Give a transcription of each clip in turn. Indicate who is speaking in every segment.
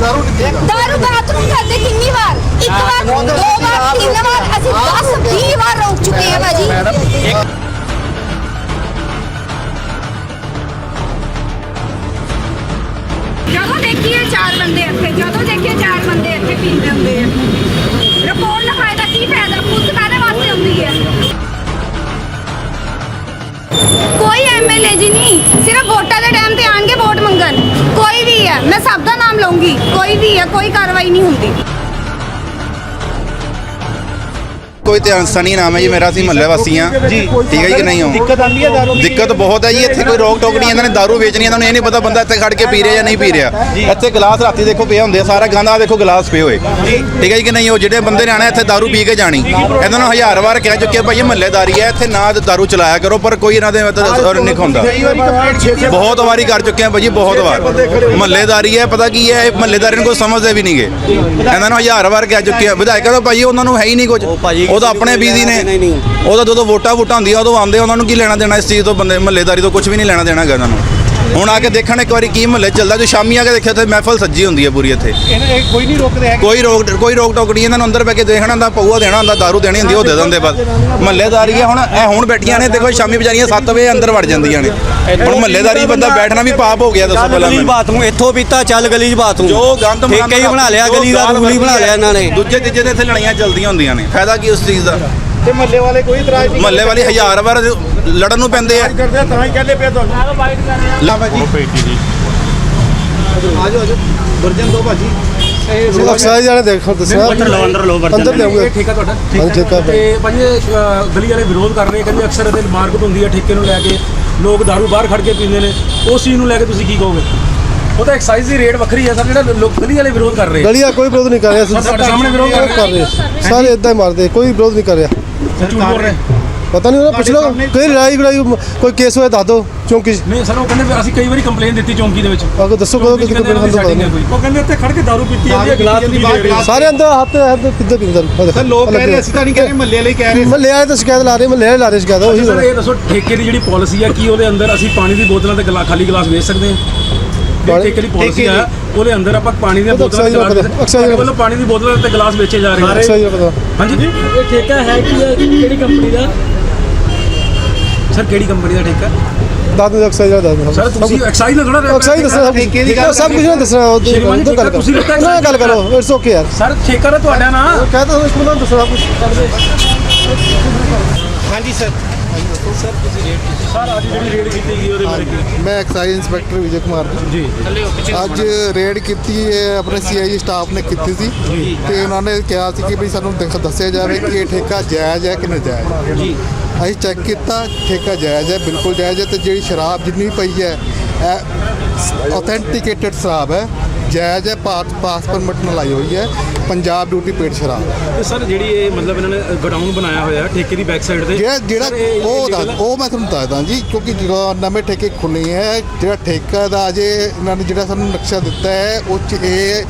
Speaker 1: दारू बाथरूम करते कितनी बार, एक बार, 2 बार, 3 बार, ਅਸੀਂ 10-20 ਬਾਰ ਰੋਕ ਚੁੱਕੇ ਹਾਂ ਭਾਜੀ। ਜਦੋਂ ਦੇਖੀਏ 4 ਬੰਦੇ ਇੱਥੇ, ਜਦੋਂ ਦੇਖੀਏ 4 ਬੰਦੇ ਇੱਥੇ ਪੀਂਦੇ ਹੁੰਦੇ ਆ। ਰਿਪੋਰਟ ਲਿਖਾਏ ਦਾ ਕੀ ਫਾਇਦਾ, ਪੁਲਿਸ ਕਾਹਦੇ ਵਾਸਤੇ ਹੁੰਦੀ ਹੈ? ਕੋਈ ਐਮਐਲਏ ਜੀ ਨਹੀਂ, ਸਿਰਫ ਵੋਟਾਂ ਦੇ ਟਾਈਮ ਤੇ ਆਣਗੇ ਵੋਟ ਮੰਗਣ। ਕੋਈ ਵੀ ਹੈ, ਮੈਂ ਸਭ ਦਾ ਨਾਮ ਲਵਾਂਗੀ, ਕੋਈ ਵੀ ਹੈ, ਕੋਈ ਕਾਰਵਾਈ ਨਹੀਂ ਹੁੰਦੀ।
Speaker 2: कोई तो इंसानी नाम है जी मेरा, महल्ले वासी हाँ ठीक है कि नहीं हो।
Speaker 3: दिक्कत आती है दारू
Speaker 2: दिक्कत बहुत है जी, इतने कोई रोक टोक नहीं, इन्होंने दारू बेचनी, इन्होंने ये नहीं पता बंदा इतने खड़ के पी रहा या नहीं पी रहा। इतने गिलास राती देखो पे होंगे, सारा गंदा देखो गिलास पे हुए ठीक है कि नहीं हो। जो बंदे ने आना इतने दारू पी के जानी, इन्होंने 1000 बार कह चुके भाई महल्लेदारी है इतने ना दारू चलाया करो, पर कोई इन्होंने नहीं खांदा। बहुत बारी कर चुके हैं भाजी, बहुत बार महल्लेदारी है, पता की है महल्लेदारी को समझते भी नहीं गए। इन्होंने 1000 बार कह चुके हैं विधायक तो भाई उन्होंने है ही नहीं कुछ, ਉਹ ਤਾਂ ਆਪਣੇ ਬੀਜ਼ੀ ਨੇ, ਉਹਦਾ ਜਦੋਂ ਵੋਟਾਂ ਹੁੰਦੀਆਂ ਉਦੋਂ ਆਉਂਦੇ, ਉਹਨਾਂ ਨੂੰ ਕੀ ਲੈਣਾ ਦੇਣਾ ਇਸ ਚੀਜ਼ ਤੋਂ, ਬੰਦੇ ਮਹੱਲੇਦਾਰੀ ਤੋਂ ਕੁਝ ਵੀ ਨਹੀਂ ਲੈਣਾ ਦੇਣਾ ਹੈਗਾ ਉਹਨਾਂ ਨੂੰ। ਹੁਣ ਆ ਕੇ ਦੇਖਣ ਇੱਕ ਵਾਰੀ ਕੀ ਮਹੱਲੇ ਚੱਲਦਾ, ਜੋ ਸ਼ਾਮੀ ਆ ਕੇ ਦੇਖਿਆ ਤੇ ਮਹਿਫਲ ਸੱਜੀ ਹੁੰਦੀ ਹੈ ਪੂਰੀ ਇੱਥੇ।
Speaker 3: ਕੋਈ ਨਹੀਂ ਰੋਕਦੇ ਹੈ,
Speaker 2: ਕੋਈ ਰੋਕ ਟੋਕ ਨਹੀਂ, ਇਹਨਾਂ ਨੂੰ ਅੰਦਰ ਬੈ ਕੇ ਦੇਖਣਾ ਹੁੰਦਾ, ਪਊਆ ਦੇਣਾ ਹੁੰਦਾ, ਦਾਰੂ ਦੇਣੀ ਹੁੰਦੀ, ਉਹ ਦੇ ਦਿੰਦੇ ਬਸ। ਮਹੱਲੇਦਾਰੀ ਹੈ ਹੁਣ ਬੈਠੀਆਂ ਨੇ ਦੇਖੋ, ਸ਼ਾਮੀ ਵਿਚਾਰੀਆਂ 7 ਵਜੇ ਅੰਦਰ ਵੜ ਜਾਂਦੀਆਂ ਨੇ। ਹੁਣ ਮਹੱਲੇਦਾਰੀ ਬੰਦਾ ਬੈਠਣਾ ਵੀ ਪਾਪ ਹੋ ਗਿਆ, ਦੱਸੋ ਪਹਿਲਾਂ ਮੈਨੂੰ।
Speaker 4: ਬਾਥਰੂਮ ਇੱਥੋਂ ਪੀਤਾ, ਚੱਲ ਗਲੀ 'ਚ ਬਾਥਰੂਮ,
Speaker 2: ਜੋ ਗੰਦ
Speaker 4: ਠੇਕਾ ਹੀ ਬਣਾ ਲਿਆ, ਗਲੀ ਦਾ ਰੂਲ ਹੀ ਬਣਾ ਲਿਆ ਇਹਨਾਂ ਨੇ।
Speaker 2: ਦੂਜੇ ਤੀਜੇ ਦੇ ਇੱਥੇ ਲੜਾਈਆਂ ਚੱਲਦੀਆਂ ਹੁੰਦੀਆਂ ਨੇ, ਫਾਇਦਾ ਕੀ ਉਸ ਚੀਜ਼ ਦਾ।
Speaker 3: ਤੇ ਮਹੱਲੇ ਵਾਲੇ ਕੋਈ ਇਤਰਾਜ਼ ਨਹੀਂ,
Speaker 2: ਮਹੱਲੇ ਵਾਲੇ 1000 ਵਾਰ ਲੜਨ ਨੂੰ ਪੈਂਦੇ ਆ।
Speaker 3: ਕਰਦੇ ਆ, ਤਾਂ ਹੀ ਕਹਿੰਦੇ ਪਿਆ ਤੁਹਾਨੂੰ।
Speaker 2: ਲਾ ਭਾਜੀ ਆਜੋ ਵਰਜਨ ਦੋ ਭਾਜੀ।
Speaker 5: ਅਕਸਰ ਜਾਣੇ ਦੇਖੋ ਦੱਸਿਆ ਅੰਦਰ ਲਿਆਉਂਗੇ
Speaker 3: ਠੇਕਾ ਤੁਹਾਡਾ
Speaker 5: ਠੇਕਾ
Speaker 3: ਤੇ ਭਾਜੀ ਗਲੀ ਵਾਲੇ ਵਿਰੋਧ ਕਰ ਰਹੇ, ਕਹਿੰਦੇ ਅਕਸਰ ਇਹਦੇ ਮਾਰਕੀਟ ਹੁੰਦੀ ਹੈ ਠੇਕੇ ਨੂੰ ਲੈ ਕੇ, ਲੋਕ ਦਾਰੂ ਬਾਹਰ ਖੜ ਕੇ ਪੀਂਦੇ ਨੇ, ਉਸ ਚੀਜ਼ ਨੂੰ ਲੈ ਕੇ ਤੁਸੀਂ ਕੀ ਕਹੋਗੇ? ਉਹ ਤਾਂ ਐਕਸਾਈਜ਼ ਦੀ ਰੇਟ ਵੱਖਰੀ ਹੈ ਸਰ, ਜਿਹੜਾ ਲੋਕ ਗਲੀ ਵਾਲੇ ਵਿਰੋਧ ਕਰ ਰਹੇ।
Speaker 5: ਗਲੀਆ ਕੋਈ ਵਿਰੋਧ ਨਹੀਂ ਕਰ ਰਿਹਾ,
Speaker 3: ਤੁਹਾਡੇ ਸਾਹਮਣੇ ਵਿਰੋਧ
Speaker 5: ਕਰ ਰਹੇ ਸਾਰੇ ਇਦਾਂ ਹੀ ਮਾਰਦੇ, ਕੋਈ ਵਿਰੋਧ ਨਹੀਂ ਕਰ ਰਿਹਾ।
Speaker 3: ਝੂਠ ਬੋਲ ਰਹੇ
Speaker 5: ਪਤਾ ਨਹੀਂ, ਉਹਨਾਂ ਪੁੱਛ ਲਓ ਕੋਈ ਲੜਾਈ ਕੋਈ ਕੇਸ ਹੋਇਆ ਦੱਸ ਦਿਓ ਚੌਂਕੀ 'ਚ।
Speaker 3: ਨਹੀਂ ਸਰ, ਉਹ ਕਹਿੰਦੇ ਵੀ ਅਸੀਂ ਕਈ ਵਾਰੀ ਕੰਪਲੇਨ ਦਿੱਤੀ ਚੌਂਕੀ ਦੇ ਵਿੱਚ।
Speaker 5: ਆਗੋ ਦੱਸੋ ਕਦੋਂ ਕਿਤੇ ਕੰਪਲੇਂਟ ਹੁੰਦਾ
Speaker 3: ਉਹ ਕਹਿੰਦੇ ਇੱਥੇ ਖੜ ਕੇ ਦਾਰੂ ਪੀਤੀ ਜਾਂਦੀ ਹੈ, ਗਲਾਸ ਵੀ ਦੇ ਰਹੇ
Speaker 5: ਸਾਰੇ ਅੰਦਰ ਹੱਥ ਕਿੱਦਾਂ ਪੀਂਦੇ
Speaker 3: ਸਰ। ਲੋਕ ਕਹਿ ਰਹੇ, ਅਸੀਂ ਤਾਂ ਨਹੀਂ ਕਹਿ ਰਹੇ, ਮਹੱਲੇ ਵਾਲੇ ਕਹਿ ਰਹੇ।
Speaker 5: ਮਹੱਲੇ ਵਾਲੇ ਤਾਂ ਸ਼ਿਕਾਇਤ ਲਾ ਰਹੇ, ਮਹੱਲੇ ਵਾਲੇ ਲਾ ਰਹੇ ਸ਼ਿਕਾਇਤ। ਉਹੀ
Speaker 3: ਸਰ ਇਹ ਦੱਸੋ ਠੇਕੇ ਦੀ ਜਿਹੜੀ ਪਾਲਿਸੀ ਹੈ, ਕੀ ਉਹਦੇ ਅੰਦਰ ਅਸੀਂ ਪਾਣੀ ਦੀ ਬੋਤਲਾਂ ਤੇ ਖਾਲੀ ਗਲਾਸ ਵੇਚ ਸਕਦੇ ਹਾਂ? ਠੇਕੇ ਦੀ ਪਾਲਿਸੀ ਹੈ, ਉਹਦੇ ਅੰਦਰ ਆਪਾਂ ਪਾਣੀ ਦੀਆਂ ਬੋਤਲਾਂ ਤੇ ਵੱਲੋਂ ਪਾਣੀ ਦੀ ਬੋਤਲਾਂ ਤੇ ਗਲਾਸ ਵੇਚੇ ਜਾ ਰਹੇ
Speaker 5: ਪਤਾ
Speaker 3: ਹਾਂਜੀ। ਇਹ ਠੇਕਾ ਹੈ ਕਿਹੜੀ ਕੰਪਨੀ ਦਾ ਸਰ? ਕਿਹੜੀ ਕੰਪਨੀ ਦਾ ਠੇਕਾ?
Speaker 5: ਦੱਸ ਦਿਓ ਅਕਸਰ ਦੱਸ ਦਿਓ
Speaker 3: ਸਰ। ਤੁਸੀਂ ਐਕਸਾਈਜ਼ ਨਾਲ ਥੋੜਾ
Speaker 5: ਅਕਸਰ ਦੱਸਣਾ, ਸਭ ਕੁਝ ਨਾ ਦੱਸਣਾ, ਉਦੋਂ ਗੱਲ ਕਰੋ। ਇਟਸ ਓਕੇ ਯਾਰ
Speaker 3: ਸਰ, ਠੇਕਾ ਤਾਂ ਤੁਹਾਡਾ ਨਾ
Speaker 5: ਕਹਤਾ ਉਸ ਨੂੰ ਦੱਸਣਾ ਕੁਝ।
Speaker 3: ਹਾਂਜੀ ਸਰ। ਸਰ ਤੁਸੀਂ ਰੇਟ ਕੀਤੀ ਸਰ, ਅੱਜ ਜਿਹੜੀ ਰੇਡ ਕੀਤੀ ਗਈ ਉਹਦੇ ਬਾਰੇ ਕੀ?
Speaker 5: ਮੈਂ ਐਕਸਾਈਜ਼ ਇੰਸਪੈਕਟਰ ਵਿਜੇ ਕੁਮਾਰ
Speaker 3: ਜੀ
Speaker 5: ਅੱਜ ਰੇਡ ਕੀਤੀ ਹੈ, ਆਪਣੇ ਸੀਆਈਏ ਸਟਾਫ ਨੇ ਕੀਤੀ ਸੀ ਤੇ ਉਹਨਾਂ ਨੇ ਕਿਹਾ ਸੀ ਕਿ ਵੀ ਸਾਨੂੰ ਦੱਸਿਆ ਜਾਵੇ ਕਿ ਇਹ ਠੇਕਾ ਜਾਇਜ਼ ਹੈ ਕਿ ਨਾਜਾਇਜ਼।
Speaker 3: ਜੀ
Speaker 5: ਅਸੀਂ ਚੈੱਕ ਕੀਤਾ, ਠੇਕਾ ਜਾਇਜ਼ ਹੈ, ਬਿਲਕੁਲ ਜਾਇਜ਼ ਹੈ। ਤੇ ਜਿਹੜੀ ਸ਼ਰਾਬ ਜਿੰਨੀ ਪਈ ਹੈ ਇਹ ਆਥੈਂਟੀਕੇਟਡ ਸ਼ਰਾਬ ਹੈ, ਜਾਇਜ਼ ਹੈ, ਪਾਸ ਪਰਮਿਟ ਨਾਲ ਆਈ ਹੋਈ ਹੈ, ਪੰਜਾਬ ਡਿਊਟੀ ਪੇਡ ਸ਼ਰਾਬ।
Speaker 3: ਤੇ ਸਰ ਜਿਹੜੀ ਇਹ ਮਤਲਬ ਇਹਨਾਂ ਨੇ ਗੋਡਾਊਨ ਬਣਾਇਆ ਹੋਇਆ ਠੇਕੇ ਦੀ ਬੈਕ ਸਾਈਡ ਤੇ,
Speaker 5: ਜਿਹੜਾ ਉਹ ਮੈਂ ਤੁਹਾਨੂੰ ਦੱਸਦਾ ਜੀ, ਕਿਉਂਕਿ ਜਦੋਂ ਨਵੇਂ ਠੇਕੇ ਖੁੱਲ੍ਹੇ ਹੈ, ਜਿਹੜਾ ਠੇਕਾ ਦਾ ਅਜੇ ਇਹਨਾਂ ਨੇ ਜਿਹੜਾ ਸਾਨੂੰ ਨਕਸ਼ਾ ਦਿੱਤਾ ਹੈ ਉਹ 'ਚ ਇਹ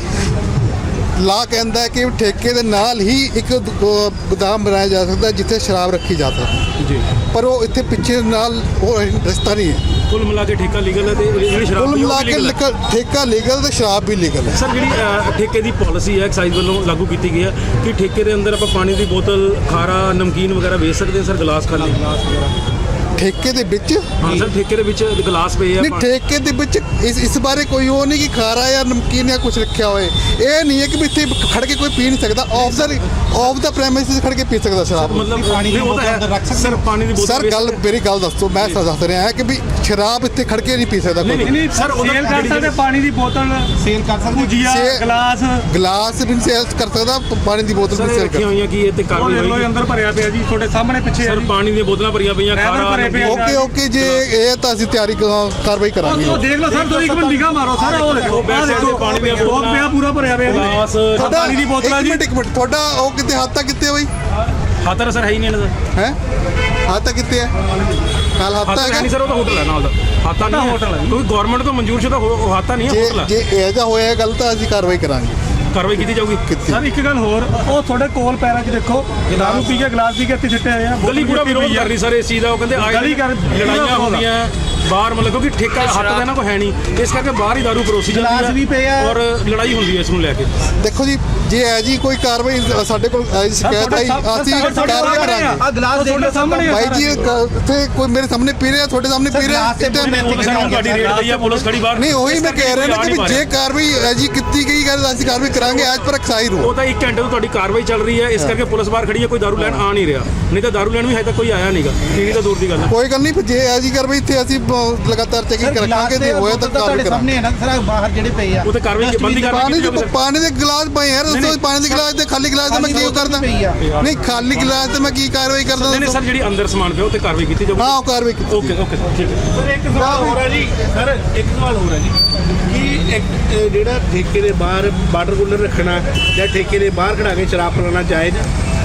Speaker 5: ਲਾ ਕਹਿੰਦਾ ਹੈ ਕਿ ਠੇਕੇ ਦੇ ਨਾਲ ਹੀ ਇੱਕ ਗੋਦਾਮ ਬਣਾਇਆ ਜਾ ਸਕਦਾ ਜਿੱਥੇ ਸ਼ਰਾਬ ਰੱਖੀ ਜਾ ਸਕਦੀ ਜੀ, ਪਰ ਉਹ ਇੱਥੇ ਪਿੱਛੇ ਨਾਲ ਉਹ ਰਸਤਾ ਨਹੀਂ ਹੈ।
Speaker 3: ਕੁੱਲ ਮਿਲਾ ਕੇ ਠੇਕਾ ਲੀਗਲ ਹੈ ਤੇ ਜਿਹੜੀ ਸ਼ਰਾਬ
Speaker 5: ਕੁੱਲ ਮਿਲਾ ਕੇ ਠੇਕਾ ਲੀਗਲ ਤੇ ਸ਼ਰਾਬ ਵੀ ਲੀਗਲ ਹੈ।
Speaker 3: ਸਰ ਜਿਹੜੀ ਠੇਕੇ ਦੀ ਪਾਲਿਸੀ ਹੈ ਐਕਸਾਈਜ਼ ਵੱਲੋਂ ਲਾਗੂ ਕੀਤੀ ਗਈ ਹੈ ਕਿ ਠੇਕੇ ਦੇ ਅੰਦਰ ਆਪਾਂ ਪਾਣੀ ਦੀ ਬੋਤਲ, ਖਾਰਾ, ਨਮਕੀਨ ਵਗੈਰਾ ਵੇਚ ਸਕਦੇ ਹਾਂ ਸਰ, ਗਲਾਸ ਖਾਲੀ
Speaker 5: ਠੇਕੇ ਦੇ ਵਿੱਚ?
Speaker 3: ਹਾਂ ਸਰ, ਠੇਕੇ ਦੇ ਵਿੱਚ ਗਲਾਸ ਪਏ ਆ।
Speaker 5: ਨਹੀਂ, ਠੇਕੇ ਦੇ ਵਿੱਚ ਇਸ ਬਾਰੇ ਕੋਈ ਉਹ ਨਹੀਂ ਕਿ ਖਾਰਾ ਜਾਂ ਨਮਕੀਨ ਜਾਂ ਕੁਝ ਰੱਖਿਆ ਹੋਏ। ਇਹ ਨਹੀਂ ਹੈ ਕਿ ਵੀ ਇੱਥੇ ਖੜ ਕੇ ਕੋਈ ਪੀ ਨਹੀਂ ਸਕਦਾ, ਆਫ ਦਾ ਪ੍ਰੈਮਿਸਿਸ ਖੜ ਕੇ ਪੀ ਸਕਦਾ ਸ਼ਰਾਬ।
Speaker 3: ਮਤਲਬ ਪਾਣੀ ਦੀ ਬੋਤਲ ਰੱਖ ਸਕਦੇ ਸਰ, ਪਾਣੀ ਦੀ ਬੋਤਲ।
Speaker 5: ਸਰ ਮੇਰੀ ਗੱਲ ਦੱਸੋ, ਮੈਂ ਦੱਸ ਰਿਹਾ ਕਿ ਵੀ ਸ਼ਰਾਬ ਇੱਥੇ ਖੜ ਕੇ ਨਹੀਂ ਪੀ ਸਕਦਾ ਕੋਈ।
Speaker 3: ਨਹੀਂ ਸਰ, ਸੇਲ ਕਰ ਸਕਦੇ, ਪਾਣੀ ਦੀ ਬੋਤਲ ਸੇਲ ਕਰ ਸਕਦੇ, ਭੁਜੀਆ,
Speaker 5: ਗਲਾਸ ਵੀ ਸੇਲ ਕਰ ਸਕਦਾ, ਪਾਣੀ ਦੀ ਬੋਤਲ ਵੀ ਸੇਲ ਕਰ ਸਕਦਾ।
Speaker 3: ਹੋਈਆਂ ਕਿ ਇਹ ਤੇ ਕਾਰਵਾਈ ਹੋਈ ਅੰਦਰ ਭਰਿਆ ਪਿਆ ਜੀ, ਤੁਹਾਡੇ ਸਾਹਮਣੇ ਪਿੱਛੇ ਸਰ ਪਾਣੀ ਦੀਆਂ ਬੋਤਲਾਂ ਭਰੀਆਂ ਪਈਆਂ, ਖਾਰਾ।
Speaker 5: ਓਕੇ ਜੀ, ਇਹ ਤਾਂ ਅਸੀਂ ਕਾਰਵਾਈ ਕਰਾਂਗੇ।
Speaker 3: ਉਹ ਦੇਖ ਲਓ ਸਰ, ਤੁਸੀਂ ਇੱਕ ਮਿੰਟ ਨਿਗਾਹ ਮਾਰੋ ਸਰ, ਉਹ ਦੇਖੋ ਪਾਣੀ ਦੀਆਂ ਬੋਤਲਾਂ ਪਿਆ, ਪੂਰਾ ਭਰਿਆ ਪਿਆ ਗਲਾਸ, ਪਾਣੀ ਦੀ ਬੋਤਲਾਂ ਜੀ।
Speaker 5: ਇੱਕ ਮਿੰਟ ਤੁਹਾਡਾ ਉਹ ਕਿਤੇ ਹੱਥ ਤੱਕ ਕਿੱਥੇ ਬਈ?
Speaker 3: ਹੱਥ ਤਾਂ ਸਰ ਹੈ ਹੀ ਨਹੀਂ ਇਹਨਾਂ ਦਾ।
Speaker 5: ਹੈ ਹੱਥ ਤੱਕ ਕਿੱਥੇ ਹੈ? ਕੱਲ ਹੱਥ
Speaker 3: ਹੈ ਨਹੀਂ ਸਰ, ਉਹ ਤਾਂ ਹੋਟਲ ਹੈ ਨਾਲ ਦਾ। ਹਾਤਾ ਨਹੀਂ ਹੋਟਲ ਹੈ, ਕੋਈ ਗਵਰਨਮੈਂਟ ਤੋਂ ਮਨਜ਼ੂਰ ਸ਼ੁਦਾ ਹਾਤਾ ਨਹੀਂ ਹੈ, ਹੋਟਲ ਹੈ।
Speaker 5: ਜੇ ਇਹ ਜਿਹਾ ਹੋਇਆ ਗੱਲ ਤਾਂ ਅਸੀਂ ਕਾਰਵਾਈ ਕਰਾਂਗੇ,
Speaker 3: ਕਾਰਵਾਈ ਕੀਤੀ ਜਾਊਗੀ। ਸਰ ਇੱਕ ਗੱਲ ਹੋਰ, ਉਹ ਤੁਹਾਡੇ ਕੋਲ ਪੈਰਾਂ 'ਚ ਦੇਖੋ ਦਾਰੂ ਪੀ ਕੇ ਗਲਾਸ ਪੀ ਕੇ ਇੱਥੇ ਸਿੱਟੇ ਹੋਏ ਆ।
Speaker 6: ਗਲੀ ਪੂਰਾ ਵਿਰੋਧ ਕਰ ਰਹੀ ਸਰ ਇਸ ਚੀਜ਼ ਦਾ। ਉਹ ਕਹਿੰਦੇ ਲੜਾਈਆਂ ਹੁੰਦੀਆਂ
Speaker 3: ਬਾਹਰ ਮਤਲਬ ਕਿਉਂਕਿ ਠੇਕਾ ਹੱਥ ਦਾ ਇਹਨਾਂ ਕੋ ਹੈ ਨਹੀਂ, ਇਸ ਕਰਕੇ ਬਾਹਰ ਹੀ ਦਾਰੂ ਪਰੋਸੀ ਜਾਂਦੀ ਹੈ ਔਰ ਲੜਾਈ ਹੁੰਦੀ ਹੈ ਇਸ ਨੂੰ ਲੈ ਕੇ।
Speaker 5: ਦੇਖੋ ਜੀ, ਜੇ ਹੈ ਜੀ ਕੋਈ ਕਾਰਵਾਈ ਸਾਡੇ ਕੋਲ ਸ਼ਿਕਾਇਤ ਆਈ ਅਸੀਂ ਕਾਰਵਾਈ ਕਰਾਂਗੇ।
Speaker 6: ਆ ਗਲਾਸ ਦੇਖ ਲਓ ਸਾਹਮਣੇ
Speaker 5: ਭਾਈ ਜੀ ਇੱਥੇ ਕੋਈ ਮੇਰੇ ਸਾਹਮਣੇ ਪੀ ਰਿਹਾ, ਤੁਹਾਡੇ ਸਾਹਮਣੇ ਪੀ ਰਿਹਾ,
Speaker 3: ਤੁਹਾਡੀ ਰੇਡ ਪਈ ਆ, ਪੁਲਿਸ ਖੜੀ ਬਾਹਰ।
Speaker 5: ਨਹੀਂ ਉਹੀ ਮੈਂ ਕਹਿ ਰਿਹਾ ਨਾ ਕਿ ਵੀ ਜੇ ਕਾਰਵਾਈ ਹੈ ਜੀ ਕੀਤੀ ਗਈ ਗੱਲ ਅਸੀਂ ਕਾਰਵਾਈ ਕਰਾਂਗੇ ਅੱਜ ਪਰ ਐਕਸਾਈਜ਼ ਨੂੰ।
Speaker 3: ਉਹ ਤਾਂ 1 ਘੰਟੇ ਤੋਂ ਤੁਹਾਡੀ ਕਾਰਵਾਈ ਚੱਲ ਰਹੀ ਹੈ, ਇਸ ਕਰਕੇ ਪੁਲਿਸ ਬਾਹਰ ਖੜੀ ਹੈ, ਕੋਈ ਦਾਰੂ ਲੈਣ ਆ ਨਹੀਂ ਰਿਹਾ, ਨਹੀਂ ਤਾਂ ਦਾਰੂ ਲੈਣ ਵੀ ਹਜੇ ਤੱਕ ਕੋਈ ਆਇਆ ਨਹੀਂਗਾ, ਪੀੜੀ ਤਾਂ ਦੂਰ ਦੀ ਗੱਲ ਹੈ।
Speaker 5: ਕੋਈ ਗੱਲ ਨਹੀਂ, ਜੇ ਹੈ ਜੀ ਕਾਰਵਾਈ ਇੱਥੇ ਅਸੀਂ ਲਗਾਤਾਰ ਚੈਕਿੰਗ ਰੱਖਾਂਗੇ, ਜੇ ਹੋਇਆ ਤਾਂ ਕਾਰਵਾਈ ਕਰਾਂਗੇ।
Speaker 6: ਹੈ ਨਾ ਸਰ ਬਾਹਰ ਜਿਹੜੇ ਪਏ ਆ
Speaker 3: ਉਹ ਤੇ ਕਾਰਵਾਈ ਬੰਦੀ
Speaker 5: ਪਾਣੀ ਦੇ ਗਲਾਸ ਪਏ ਯਾਰ, ਦੱਸੋ ਪਾਣੀ ਦੇ ਗਲਾਸ ਤੇ ਖਾਲੀ ਗਲਾਸ ਤੇ ਮੈਂ ਕੀ ਕਰਦਾ? ਨਹੀਂ ਖਾਲੀ ਗਲਾਸ ਤੇ ਮੈਂ ਕੀ ਕਾਰਵਾਈ ਕਰਦਾ?
Speaker 3: ਨਹੀਂ ਸਰ, ਜਿਹੜੀ ਅੰਦਰ ਸਮਾਨ ਪਿਆ ਉਹ ਤੇ ਕਾਰਵਾਈ ਕੀਤੀ ਜਾਊਗੀ।
Speaker 5: ਹਾਂ ਉਹ ਕਾਰਵਾਈ ਕੀਤੀ।
Speaker 3: ਓਕੇ ਸਰ, ਠੀਕ ਹੈ।
Speaker 7: ਸਰ ਇੱਕ ਸਵਾਲ ਹੋ ਰਿਹਾ ਜੀ, ਸਰ ਇੱਕ ਸਵਾਲ ਹੋ ਰਿਹਾ ਜੀ ਕਿ ਇੱਕ ਜਿਹੜਾ ਠੇਕੇ ਦੇ ਬਾਹਰ ਵਾਟਰ ਕੂਲਰ ਰੱਖਣਾ ਜਾਂ ਠੇਕੇ ਦੇ ਬਾਹਰ ਖੜਾ ਕੇ ਸ਼ਰਾਬ ਪਿਲਾਉਣਾ ਜਾਇਜ਼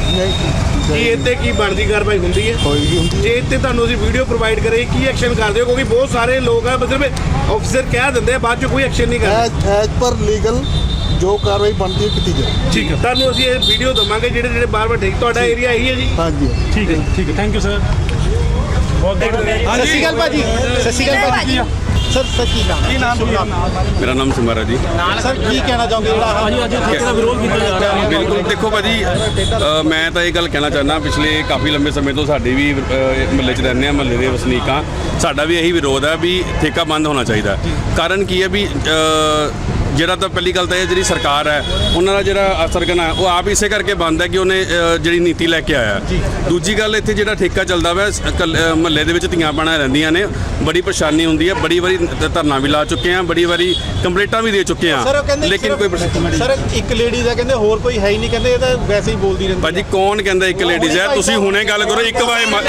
Speaker 7: ਕੀ ਇੱਥੇ ਕੀ ਬਣਦੀ ਕਾਰਵਾਈ ਹੁੰਦੀ ਹੈ? ਜੇ ਇੱਥੇ ਤੁਹਾਨੂੰ ਅਸੀਂ ਵੀਡੀਓ ਪ੍ਰੋਵਾਈਡ ਕਰੇ ਕੀ ਐਕਸ਼ਨ ਕਰਦੇ ਹੋ? ਕਿਉਂਕਿ ਬਹੁਤ ਸਾਰੇ ਲੋਕ ਆ ਮਤਲਬ ਆਫੀਸਰ ਕਹਿ ਦਿੰਦੇ ਆ ਬਾਅਦ ਚ ਕੋਈ ਐਕਸ਼ਨ ਨਹੀਂ ਕਰਦੇ।
Speaker 5: ਐਜ਼ ਪਰ ਲੀਗਲ ਜੋ ਕਾਰਵਾਈ ਬਣਦੀ ਹੈ ਕੀਤੀ ਜਾਏ।
Speaker 3: ਠੀਕ ਹੈ,
Speaker 7: ਤੁਹਾਨੂੰ ਅਸੀਂ ਇਹ ਵੀਡੀਓ ਦਵਾਂਗੇ ਜਿਹੜੇ ਬਾਰ-ਬਾਰ ਠੇਕ ਤੁਹਾਡਾ ਏਰੀਆ ਇਹੀ ਹੈ ਜੀ?
Speaker 5: ਹਾਂਜੀ
Speaker 3: ਠੀਕ ਹੈ, ਥੈਂਕ ਯੂ ਸਰ।
Speaker 6: ਸਤਿ ਸ਼੍ਰੀ ਅਕਾਲ ਭਾਜੀ। ਸਤਿ ਸ਼੍ਰੀ ਅਕਾਲ ਭਾਜੀ। ਸਰ ਕੀ ਨਾਮ
Speaker 8: ਮੇਰਾ ਨਾਮ ਸਿਮਰ ਹੈ ਜੀ।
Speaker 6: ਸਰ ਕੀ ਕਹਿਣਾ ਚਾਹੋਗੇ ਜਿਹੜਾ
Speaker 3: ਅੱਜ ਠੇਕੇ ਦਾ ਵਿਰੋਧ ਕੀਤਾ ਜਾ ਰਿਹਾ ਹੈ?
Speaker 8: ਬਿਲਕੁਲ, ਦੇਖੋ ਭਾਜੀ, ਮੈਂ ਤਾਂ ਇਹ ਗੱਲ ਕਹਿਣਾ ਚਾਹੁੰਦਾ, ਪਿਛਲੇ ਕਾਫੀ ਲੰਬੇ ਸਮੇਂ ਤੋਂ ਸਾਡੇ ਵੀ ਮਹੱਲੇ 'ਚ ਰਹਿੰਦੇ ਆ, ਮਹੱਲੇ ਦੇ ਵਸਨੀਕਾਂ, ਸਾਡਾ ਵੀ ਇਹੀ ਵਿਰੋਧ ਹੈ ਵੀ ਠੇਕਾ ਬੰਦ ਹੋਣਾ ਚਾਹੀਦਾ। ਕਾਰਨ ਕੀ ਹੈ ਵੀ ਜਿਹੜਾ ਤਾਂ ਪਹਿਲੀ ਗੱਲ ਤਾਂ ਇਹ ਜਿਹੜੀ ਸਰਕਾਰ ਹੈ ਉਹਨਾਂ ਦਾ ਜਿਹੜਾ ਸਰਗਨਾ ਹੈ ਉਹ ਆਪ ਇਸੇ ਕਰਕੇ ਬੰਦ ਹੈ ਕਿ ਉਹਨੇ ਜਿਹੜੀ ਨੀਤੀ ਲੈ ਕੇ ਆਇਆ। ਦੂਜੀ ਗੱਲ, ਇੱਥੇ ਜਿਹੜਾ ਠੇਕਾ ਚੱਲਦਾ ਵਾ ਮਹੱਲੇ ਦੇ ਵਿੱਚ ਧੀਆਂ ਭੈਣਾਂ ਰਹਿੰਦੀਆਂ ਨੇ, ਬੜੀ ਪਰੇਸ਼ਾਨੀ ਹੁੰਦੀ ਹੈ, ਬੜੀ ਵਾਰੀ ਧਰਨਾ ਵੀ ਲਾ ਚੁੱਕੇ ਆ, ਬੜੀ ਵਾਰੀ ਕੰਪਲੇਂਟਾਂ ਵੀ ਦੇ ਚੁੱਕੇ ਆ, ਲੇਕਿਨ ਕੋਈ
Speaker 6: ਸਰ ਇੱਕ ਲੇਡੀ ਦਾ ਕਹਿੰਦੇ ਹੋਰ ਕੋਈ ਹੈ ਹੀ ਨਹੀਂ, ਕਹਿੰਦੇ ਇਹ ਤਾਂ ਵੈਸੇ ਹੀ ਬੋਲਦੀ ਰਹਿੰਦੀ।
Speaker 8: ਭਾਜੀ ਕੌਣ ਕਹਿੰਦਾ ਇੱਕ ਲੇਡੀਜ਼ ਹੈ? ਤੁਸੀਂ ਹੁਣੇ ਗੱਲ ਕਰੋ, ਇੱਕ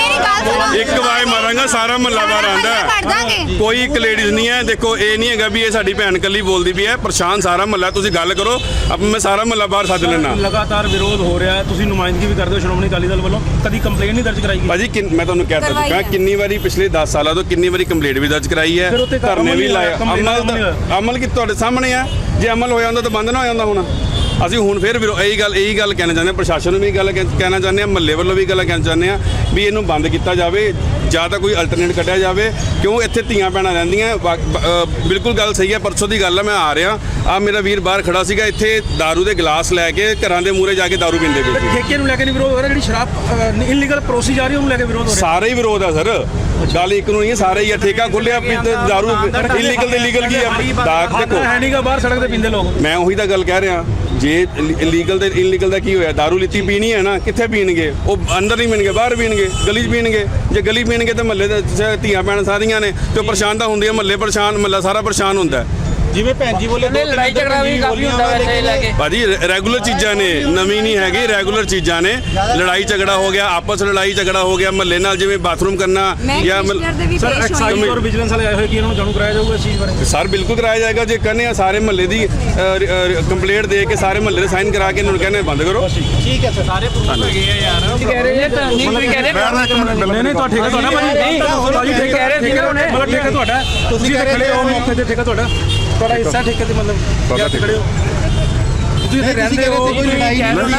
Speaker 8: ਵਾਏ ਮਾਰਾਂਗਾ ਸਾਰਾ ਮਹੱਲਾ ਬਾਹਰ ਆਂਦਾ, ਕੋਈ ਇੱਕ ਲੇਡੀਜ਼ ਨਹੀਂ ਹੈ। ਦੇਖੋ ਇਹ ਨਹੀਂ ਹੈਗਾ ਵੀ ਇਹ ਸਾਡੀ ਭੈਣ ਕੱਲੀ ਬੋਲਦੀ ਵੀ ਹੈ, ਪਰੇਸ਼ਾਨ ਸਾਰਾ ਮਹੱਲਾ, ਤੁਸੀਂ ਗੱਲ ਕਰੋ, ਮੈਂ ਸਾਰਾ ਮਹੱਲਾ ਬਾਹਰ ਸੱਦ ਲੈਣਾ।
Speaker 3: ਲਗਾਤਾਰ ਵਿਰੋਧ ਹੋ ਰਿਹਾ ਹੈ, ਤੁਸੀਂ ਨੁਮਾਇੰਦਗੀ ਵੀ ਕਰਦੇ ਹੋ ਸ਼੍ਰੋਮਣੀ ਅਕਾਲੀ ਦਲ ਵੱਲੋਂ, ਕਦੀ ਕੰਪਲੇਂਟ ਨਹੀਂ ਦਰਜ ਕਰਾਈ ਗਈ?
Speaker 8: ਭਾਜੀ ਮੈਂ ਤੁਹਾਨੂੰ ਕਹਿ ਤਾ ਚੁੱਕਾ ਕਿੰਨੀ ਵਾਰੀ, ਪਿਛਲੇ 10 ਸਾਲਾਂ ਤੋਂ ਕਿੰਨੀ ਵਾਰੀ ਕੰਪਲੇਂਟ ਵੀ ਦਰਜ ਕਰਾਈ ਹੈ, ਧਰਨੇ ਵੀ ਲਾਏ, ਅਮਲ ਕੀ ਤੁਹਾਡੇ ਸਾਹਮਣੇ ਆ। ਜੇ ਅਮਲ ਹੋਇਆ ਹੁੰਦਾ ਤਾਂ ਬੰਦ ਨਾ ਹੋ ਜਾਂਦਾ ਹੁਣ। ਅਸੀਂ ਹੁਣ ਫਿਰ ਇਹੀ ਗੱਲ ਕਹਿਣਾ ਚਾਹੁੰਦੇ ਹਾਂ, ਪ੍ਰਸ਼ਾਸਨ ਨੂੰ ਵੀ ਗੱਲ ਕਹਿਣਾ ਚਾਹੁੰਦੇ ਹਾਂ, ਮਹੱਲੇ ਵੱਲੋਂ ਵੀ ਗੱਲ ਕਹਿਣਾ ਚਾਹੁੰਦੇ ਹਾਂ ਵੀ ਇਹਨੂੰ ਬੰਦ ਕੀਤਾ ਜਾਵੇ ਜਾਂ ਤਾਂ ਕੋਈ ਅਲਟਰਨੇਟ ਕੱਢਿਆ ਜਾਵੇ, ਕਿਉਂ ਇੱਥੇ ਧੀਆਂ ਭੈਣਾਂ ਰਹਿੰਦੀਆਂ। ਬਿਲਕੁਲ ਗੱਲ ਸਹੀ ਹੈ, ਪਰਸੋਂ ਦੀ ਗੱਲ ਹੈ, ਮੈਂ ਆ ਰਿਹਾ ਆ, ਮੇਰਾ ਵੀਰ ਬਾਹਰ ਖੜਾ ਸੀਗਾ, ਇੱਥੇ ਦਾਰੂ ਦੇ ਗਲਾਸ ਲੈ ਕੇ ਘਰਾਂ ਦੇ ਮੂਹਰੇ ਜਾ ਕੇ ਦਾਰੂ ਪੀਂਦੇ ਪਏ ਸੀ।
Speaker 3: ਠੇਕੇ ਨੂੰ ਲੈ ਕੇ ਨਹੀਂ ਵਿਰੋਧ ਹੋ ਰਿਹਾ, ਜਿਹੜੀ ਸ਼ਰਾਬ ਇਲੀਗਲ ਪਰੋਸੀ ਜਾ ਰਹੀ ਉਹਨੂੰ ਲੈ ਕੇ ਵਿਰੋਧ ਹੋ ਰਿਹਾ?
Speaker 8: ਸਾਰੇ ਹੀ ਵਿਰੋਧ ਆ ਸਰ, ਗੱਲ ਇੱਕ ਨੂੰ ਨਹੀਂ ਹੈ, ਸਾਰੇ ਹੀ ਆ। ਠੇਕਾ ਖੁੱਲਿਆ ਦਾਰੂ ਇਲੀਗਲ ਤੇ ਲੀਗਲ ਕੀ ਆ? ਦੇਖੋ
Speaker 3: ਹੈ ਨਹੀਂਗਾ, ਬਾਹਰ ਸੜਕ ਤੇ ਪੀਂਦੇ ਲੋਕ।
Speaker 8: ਮੈਂ ਉਹੀ ਤਾਂ ਗੱਲ ਕਹਿ ਰਿਹਾ, ਜੇ ਇਲੀਗਲ ਤੇ ਇਲੀਗਲ ਦਾ ਕੀ ਹੋਇਆ? ਦਾਰੂ ਲਿੱਤੀ ਪੀਣੀ ਹੈ ਨਾ, ਕਿੱਥੇ ਪੀਣਗੇ? ਉਹ ਅੰਦਰ ਨਹੀਂ ਪੀਣਗੇ, ਬਾਹਰ ਪੀਣਗੇ, ਗਲੀ 'ਚ ਪੀਣਗੇ। ਜੇ ਗਲੀ ਪੀਣਗੇ ਤਾਂ ਮਹੱਲੇ ਦੇ ਧੀਆਂ ਭੈਣਾਂ ਸਾਰੀਆਂ ਨੇ ਤੇ ਪਰੇਸ਼ਾਨ ਤਾਂ ਹੁੰਦੀਆਂ, ਮਹੱਲੇ ਪਰੇਸ਼ਾਨ, ਮਹੱਲਾ ਸਾਰਾ ਪਰੇਸ਼ਾਨ ਹੁੰਦਾ।
Speaker 6: ਜਿਵੇਂ ਭੈਣ ਜੀ ਬੋਲੇ
Speaker 9: ਲੜਾਈ ਝਗੜਾ ਵੀ ਕਾਫੀ ਹੁੰਦਾ ਵੈਸੇ ਲੈ ਕੇ।
Speaker 8: ਭਾਜੀ ਰੈਗੂਲਰ ਚੀਜ਼ਾਂ ਨੇ, ਨਵੀਂ ਨਹੀਂ ਹੈਗੀ, ਰੈਗੂਲਰ ਚੀਜ਼ਾਂ ਨੇ। ਲੜਾਈ ਝਗੜਾ ਹੋ ਗਿਆ, ਆਪਸ ਲੜਾਈ ਝਗੜਾ ਹੋ ਗਿਆ, ਮਹੱਲੇ ਨਾਲ ਜਿਵੇਂ ਬਾਥਰੂਮ ਕਰਨਾ ਜਾਂ
Speaker 3: ਸਰ ਐਕਸਾਈਜ਼ ਔਰ ਵਿਜੀਲੈਂਸ ਵਾਲੇ ਆਏ ਹੋਏ ਕਿ ਇਹਨਾਂ ਨੂੰ ਜਾਣੂ ਕਰਾਇਆ ਜਾਊਗਾ ਇਸ ਚੀਜ਼ ਬਾਰੇ?
Speaker 8: ਸਰ ਬਿਲਕੁਲ ਕਰਾਇਆ ਜਾਏਗਾ। ਜੇ ਕਹਿੰਦੇ ਆ ਸਾਰੇ ਮਹੱਲੇ ਦੀ ਕੰਪਲੇਂਟ ਦੇ ਕੇ ਸਾਰੇ ਮਹੱਲੇ ਦੇ ਸਾਈਨ ਕਰਾ ਕੇ ਇਹਨਾਂ ਨੂੰ ਕਹਿੰਦੇ ਬੰਦ ਕਰੋ।
Speaker 6: ਠੀਕ ਹੈ ਸਰ, ਸਾਰੇ ਪ੍ਰੂਫ ਹੈਗੇ ਆ ਯਾਰ।
Speaker 9: ਕਹਿ ਰਹੇ ਤਾਂ ਨਹੀਂ ਕੋਈ ਕਹਿ ਰਹੇ
Speaker 3: ਨਹੀਂ ਤੁਹਾਡਾ ਠੇਕਾ ਤੁਹਾਡਾ ਭਾਜੀ ਠੇਕਾ ਕਹਿ ਰਹੇ ਠੇਕਾ ਮਤਲਬ ਠੇਕਾ ਤੁਹਾਡਾ, ਤੁਸੀਂ ਖੜੇ ਹੋ ਮੌਕੇ ਤੇ, ਠੇਕਾ ਤੁਹਾਡਾ ਹਿੱਸਾ ਠੇਕੇ ਤੇ, ਮਤਲਬ ਖੜੇ ਹੋ ਤੁਸੀਂ ਇੱਥੇ ਰਹਿੰਦੇ ਹੋ,
Speaker 5: ਕੋਈ ਲੜਾਈ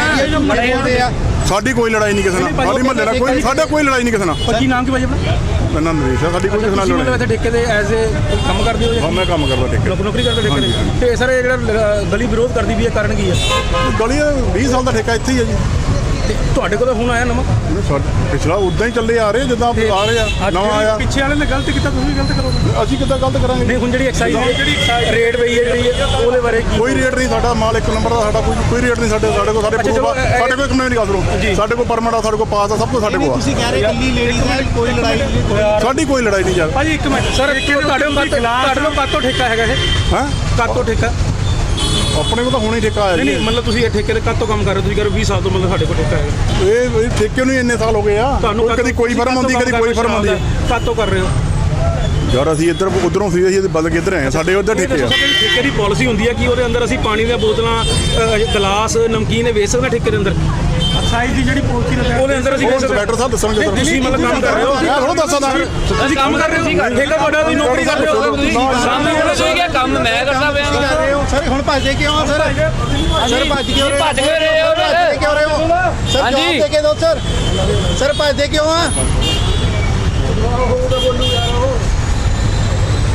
Speaker 5: ਨਹੀਂ ਆ।
Speaker 10: ਸਾਡੀ ਕੋਈ ਲੜਾਈ ਨਹੀਂ ਕਿਸੇ ਨਾਲ, ਸਾਡੀ ਮਹੱਲੇ ਦਾ ਕੋਈ, ਸਾਡਾ ਕੋਈ ਲੜਾਈ ਨਹੀਂ ਕਿਸੇ ਨਾਲ।
Speaker 3: ਕੀ ਨਾਮ ਕੀ ਭਾਜੀ ਆਪਣਾ?
Speaker 10: ਮੇਰਾ ਨਾਮ ਨਰੇਸ਼ ਹੈ, ਸਾਡੀ ਕੋਈ ਕਿਸੇ ਨਾਲ
Speaker 3: ਤੁਸੀਂ ਮਤਲਬ
Speaker 10: ਲੜਾਈ
Speaker 3: ਇੱਥੇ ਠੇਕੇ ਦੇ ਐਜ਼ ਏ ਕੰਮ ਕਰਦੇ ਹੋ?
Speaker 10: ਹਾਂ ਮੈਂ ਕੰਮ ਕਰਦਾ ਠੇਕੇ,
Speaker 3: ਨੌਕਰੀ ਕਰਦੇ ਠੇਕੇ ਦੇ? ਤੇ ਸਰ ਇਹ ਜਿਹੜਾ ਗਲੀ ਵਿਰੋਧ ਕਰਦੀ ਵੀ ਹੈ, ਕਾਰਨ ਕੀ ਹੈ?
Speaker 10: ਗਲੀ 20 ਸਾਲ ਦਾ ਠੇਕਾ ਇੱਥੇ ਹੀ ਹੈ ਜੀ।
Speaker 3: ਤੁਹਾਡੇ ਕੋਲ ਹੁਣ ਆਇਆ ਨਵਾਂ?
Speaker 10: ਪਿਛਲਾ ਉਦਾਂ ਹੀ ਚੱਲੇ ਆ ਰਹੇ ਜਿੱਦਾਂ ਆ ਰਹੇ ਆ, ਨਵਾਂ ਆਇਆ।
Speaker 3: ਪਿੱਛੇ ਵਾਲੇ ਨੇ ਗਲਤ ਕੀਤਾ, ਤੁਸੀਂ ਵੀ ਗਲਤ ਕਰੋਗੇ?
Speaker 10: ਅਸੀਂ ਕਿੱਦਾਂ ਗਲਤ ਕਰਾਂਗੇ?
Speaker 3: ਨਹੀਂ ਹੁਣ ਜਿਹੜੀ ਐਕਸਾਈਜ਼ ਰੇਟ ਪਈ ਹੈ ਜਿਹੜੀ ਉਹਦੇ ਬਾਰੇ ਕੀ?
Speaker 10: ਕੋਈ ਰੇਟ ਨਹੀਂ, ਸਾਡਾ ਮਾਲ ਇੱਕ ਨੰਬਰ ਦਾ, ਸਾਡਾ ਕੋਈ ਰੇਟ ਨਹੀਂ। ਸਾਡੇ ਕੋਲ ਸਾਡੇ ਪ੍ਰੂਫ ਆ, ਸਾਡੇ ਕੋਲ ਕਮੇ ਨਹੀਂ ਗੱਲ ਸੁਣੋ, ਸਾਡੇ ਕੋਲ ਪਰਮਿਟ ਆ, ਸਾਡੇ ਕੋਲ ਪਾਸ ਆ, ਸਭ ਕੁਝ ਸਾਡੇ ਕੋਲ ਆ।
Speaker 6: ਤੁਸੀਂ ਕਹਿ ਰਹੇ ਇਕੱਲੀ ਲੇਡੀਜ਼ ਹੈ, ਕੋਈ ਲੜਾਈ ਨਹੀਂ?
Speaker 10: ਸਾਡੀ ਕੋਈ ਲੜਾਈ ਨਹੀਂ ਯਾਰ।
Speaker 3: ਭਾਜੀ ਇੱਕ ਮਿੰਟ ਸਰ, ਤੁਹਾਡੇ ਕੋਲ ਕਾਤੋਂ ਠੇਕਾ ਹੈਗਾ ਇਹ?
Speaker 10: ਹਾਂ
Speaker 3: ਕਾਤੋਂ ਠੇਕਾ?
Speaker 10: ਆਪਣੇ ਕੋਲ ਤਾਂ ਹੁਣੇ ਠੇਕਾ ਆਇਆ ਜੀ।
Speaker 3: ਨਹੀਂ ਮਤਲਬ ਤੁਸੀਂ ਇਹ ਠੇਕੇ ਦੇ ਕਾਤੋਂ ਕੰਮ ਕਰ ਰਹੇ ਹੋ? ਤੁਸੀਂ ਕਰ 20 ਸਾਲ ਤੋਂ ਮਤਲਬ ਸਾਡੇ ਕੋਲ ਠੇਕਾ ਹੈਗਾ।
Speaker 10: ਇਹ ਠੇਕੇ ਨੂੰ ਹੀ ਇੰਨੇ ਸਾਲ ਹੋ ਗਏ ਆ।
Speaker 3: ਤੁਹਾਨੂੰ
Speaker 10: ਕਦੀ ਕੋਈ ਫਰਮ ਆਉਂਦੀ, ਕਦੀ ਕੋਈ ਫਰਮ ਆਉਂਦੀ।
Speaker 3: ਕਾਤੋਂ ਕਰ ਰਹੇ ਹੋ
Speaker 10: ਯਾਰ ਅਸੀਂ ਇੱਧਰ ਉਧਰੋਂ ਸੀ, ਅਸੀਂ ਬਦਲ ਕੇ ਇੱਧਰ ਆਏ ਹਾਂ, ਸਾਡੇ ਉੱਧਰ ਠੇਕੇ ਆ।
Speaker 3: ਠੇਕੇ ਦੀ ਪਾਲਿਸੀ ਹੁੰਦੀ ਹੈ ਕਿ ਉਹਦੇ ਅੰਦਰ ਅਸੀਂ ਪਾਣੀ ਦੀਆਂ ਬੋਤਲਾਂ, ਗਲਾਸ, ਨਮਕੀਨ ਵੇਚ ਸਕਦੇ ਠੇਕੇ ਦੇ ਅੰਦਰ? ਐਕਸਾਈਜ਼ ਦੀ ਜਿਹੜੀ ਪਾਲਿਸੀ ਉਹਦੇ ਅੰਦਰ ਅਸੀਂ
Speaker 10: ਡਾਕਟਰ ਸਾਹਿਬ ਦੱਸਣਗੇ।
Speaker 3: ਤੁਸੀਂ ਮਤਲਬ ਕੰਮ ਕਰ ਰਹੇ ਹੋ?
Speaker 10: ਮੈਂ ਥੋੜਾ ਦੱਸਦਾ
Speaker 3: ਅਸੀਂ ਕੰਮ ਕਰ ਰਹੇ ਹੋ, ਠੇਕਾ ਤੁਹਾਡਾ, ਤੁਸੀਂ ਨੌਕਰੀ ਕਰ ਰਹੇ ਹੋ?
Speaker 9: ਸਾਹਮਣੇ ਉਹਨਾਂ ਤੋਂ ਕਿਹਾ ਕੰਮ ਮੈਂ ਕਰਦਾ ਪਿਆ।
Speaker 6: ਸਰ ਹੁਣ ਭੱਜਦੇ ਕਿਉਂ ਆ ਸਰ? ਸਰ ਭੱਜ ਕਿਉਂ ਰਹੇ?
Speaker 9: ਭੱਜ ਕਿਉਂ ਰਹੇ ਹੋ?
Speaker 6: ਕਿਉਂ ਰਹੇ ਹੋ ਸਰ?
Speaker 9: ਹਾਂਜੀ।
Speaker 6: ਜਵਾਬ ਦੇ ਕੇ ਦਿਓ ਸਰ। ਸਰ ਭੱਜਦੇ ਕਿਉਂ ਆ?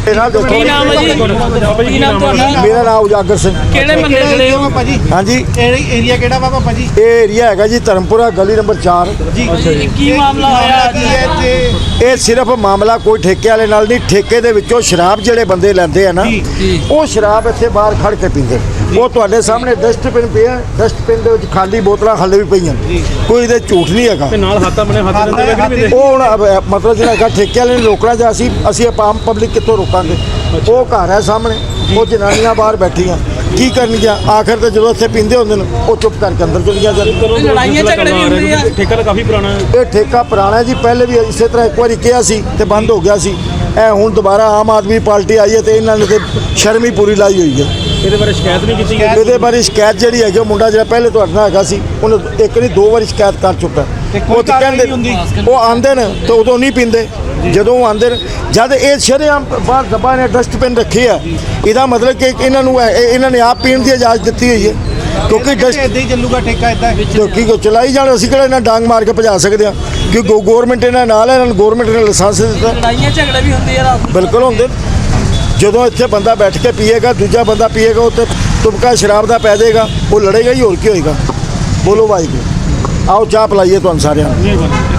Speaker 9: ਕੀ ਨਾਮ ਹੈ ਜੀ ਕੀ ਨਾਮ ਤੁਹਾਡਾ?
Speaker 11: ਮੇਰਾ ਨਾਮ ਉਜਾਗਰ ਸਿੰਘ।
Speaker 9: ਕਿਹੜੇ ਮਹੱਲੇ ਦੇ ਹੋ?
Speaker 11: ਹਾਂਜੀ,
Speaker 6: ਏਰੀਆ ਕਿਹੜਾ ਵਾ ਪਾਪਾ ਜੀ?
Speaker 11: ਇਹ ਏਰੀਆ ਹੈਗਾ ਜੀ ਧਰਮਪੁਰਾ ਗਲੀ ਨੰਬਰ 4।
Speaker 9: ਜੀ ਕੀ ਮਾਮਲਾ ਹੋਇਆ
Speaker 6: ਕੀ ਹੈ ਇੱਥੇ?
Speaker 11: ਇਹ ਸਿਰਫ ਮਾਮਲਾ ਕੋਈ ਠੇਕੇ ਵਾਲੇ ਨਾਲ ਨਹੀਂ, ਠੇਕੇ ਦੇ ਵਿੱਚੋਂ ਸ਼ਰਾਬ ਜਿਹੜੇ ਬੰਦੇ ਲੈਂਦੇ ਆ ਨਾ, ਉਹ ਸ਼ਰਾਬ ਇੱਥੇ ਬਾਹਰ ਖੜ ਕੇ ਪੀਂਦੇ। ਉਹ ਤੁਹਾਡੇ ਸਾਹਮਣੇ ਡਸਟਬਿਨ ਪਿਆ, ਡਸਟਬਿਨ ਦੇ ਵਿੱਚ ਖਾਲੀ ਬੋਤਲਾਂ ਹਾਲੇ ਵੀ ਪਈਆਂ, ਕੋਈ ਇਹਦੇ ਝੂਠ ਨਹੀਂ ਹੈਗਾ।
Speaker 3: ਨਾਲ ਹੱਥਾਂ ਬਣੇ ਹੱਥ ਦਿੰਦੇ ਵੇਖ ਨਹੀਂ
Speaker 11: ਉਹ ਹੁਣ ਮਤਲਬ ਜਿਹੜਾ ਹੈਗਾ ਠੇਕੇ ਵਾਲੇ ਨੇ ਰੋਕਣਾ, ਜਾਂ ਅਸੀਂ ਆਮ ਪਬਲਿਕ ਕਿੱਥੋਂ ਰੋਕਾਂਗੇ? ਉਹ ਘਰ ਹੈ ਸਾਹਮਣੇ, ਉਹ ਜਨਾਨੀਆਂ ਬਾਹਰ ਬੈਠੀਆਂ, ਕੀ ਕਰਨਗੀਆਂ? ਆਖਰ ਤੇ ਜਦੋਂ ਇੱਥੇ ਪੀਂਦੇ ਹੁੰਦੇ ਨੇ ਉਹ ਚੁੱਪ ਕਰਕੇ ਅੰਦਰ ਚਲੀਆਂ ਜਾਂਦੀਆਂ।
Speaker 9: ਲੜਾਈਆਂ ਝਗੜੇ ਵੀ ਹੁੰਦੇ ਆ।
Speaker 3: ਠੇਕਾ ਤਾਂ ਕਾਫੀ ਪੁਰਾਣਾ ਹੈ।
Speaker 11: ਇਹ ਠੇਕਾ ਪੁਰਾਣਾ ਜੀ, ਪਹਿਲੇ ਵੀ ਇਸੇ ਤਰ੍ਹਾਂ ਇੱਕ ਵਾਰੀ ਕਿਹਾ ਸੀ ਤੇ ਬੰਦ ਹੋ ਗਿਆ ਸੀ। ਇਹ ਹੁਣ ਦੁਬਾਰਾ ਆਮ ਆਦਮੀ ਪਾਰਟੀ ਆਈ ਹੈ ਤੇ ਇਹਨਾਂ ਨੇ ਤੇ ਸ਼ਰਮ ਹੀ ਪੂਰੀ ਲਾਈ ਹੋਈ ਹੈ।
Speaker 3: ਇਹਦੇ ਬਾਰੇ ਸ਼ਿਕਾਇਤ ਨਹੀਂ ਕੀਤੀ ਗਈ?
Speaker 11: ਇਹਦੇ ਬਾਰੇ ਸ਼ਿਕਾਇਤ ਜਿਹੜੀ ਹੈਗੀ, ਉਹ ਮੁੰਡਾ ਜਿਹੜਾ ਪਹਿਲੇ ਤੁਹਾਡੇ ਨਾਲ ਹੈਗਾ ਸੀ, ਉਹਨੇ ਇੱਕ ਨਹੀਂ 2 ਵਾਰੀ ਸ਼ਿਕਾਇਤ ਕਰ ਚੁੱਕਾ। ਉਹ ਤਾਂ ਕਹਿੰਦੇ ਉਹ ਆਂਦੇ ਨੇ ਤੇ ਉਦੋਂ ਨਹੀਂ ਪੀਂਦੇ, ਜਦੋਂ ਉਹ ਆਂਦੇ ਨੇ ਜਦ ਇਹ ਸ਼ਰੇਆਮ ਬਾਹਰ ਦੱਬਾ ਨੇ ਡਸਟਬਿਨ ਰੱਖੀ ਆ, ਇਹਦਾ ਮਤਲਬ ਕਿ ਇਹਨਾਂ ਨੇ ਆਪ ਪੀਣ ਦੀ ਇਜਾਜ਼ਤ ਦਿੱਤੀ ਹੋਈ ਹੈ। ਕਿਉਂਕਿ
Speaker 6: ਇੱਦਾਂ ਹੀ ਚੱਲੂਗਾ ਠੇਕਾ ਇੱਦਾਂ?
Speaker 11: ਕਿਉਂਕਿ ਚਲਾਈ ਜਾਣ, ਅਸੀਂ ਕਿਹੜਾ ਇਹਨਾਂ ਡਾਂਗ ਮਾਰ ਕੇ ਭਜਾ ਸਕਦੇ ਹਾਂ? ਕਿਉਂਕਿ ਗਵਰਨਮੈਂਟ ਇਹਨਾਂ ਨਾਲ ਹੈ, ਇਹਨਾਂ ਨੂੰ ਗਵਰਨਮੈਂਟ ਨੇ ਲਾਇਸੈਂਸ ਦਿੱਤਾ।
Speaker 9: ਲੜਾਈਆਂ ਝਗੜੇ ਵੀ ਹੁੰਦੇ ਆ ਰਾਤ ਨੂੰ?
Speaker 11: ਬਿਲਕੁਲ ਹੁੰਦੇ। ਜਦੋਂ ਇੱਥੇ ਬੰਦਾ ਬੈਠ ਕੇ ਪੀਏਗਾ, ਦੂਜਾ ਬੰਦਾ ਪੀਏਗਾ, ਉਹ ਤੇ ਤੁਮਕਾ ਸ਼ਰਾਬ ਦਾ ਪੈ ਜਾਏਗਾ, ਉਹ ਲੜੇਗਾ ਹੀ, ਹੋਰ ਕੀ ਹੋਏਗਾ? ਬੋਲੋ ਵਾਹਿਗੁਰੂ। ਆਓ ਚਾਹ ਪਿਲਾਈਏ ਤੁਹਾਨੂੰ ਸਾਰਿਆਂ ਨੂੰ।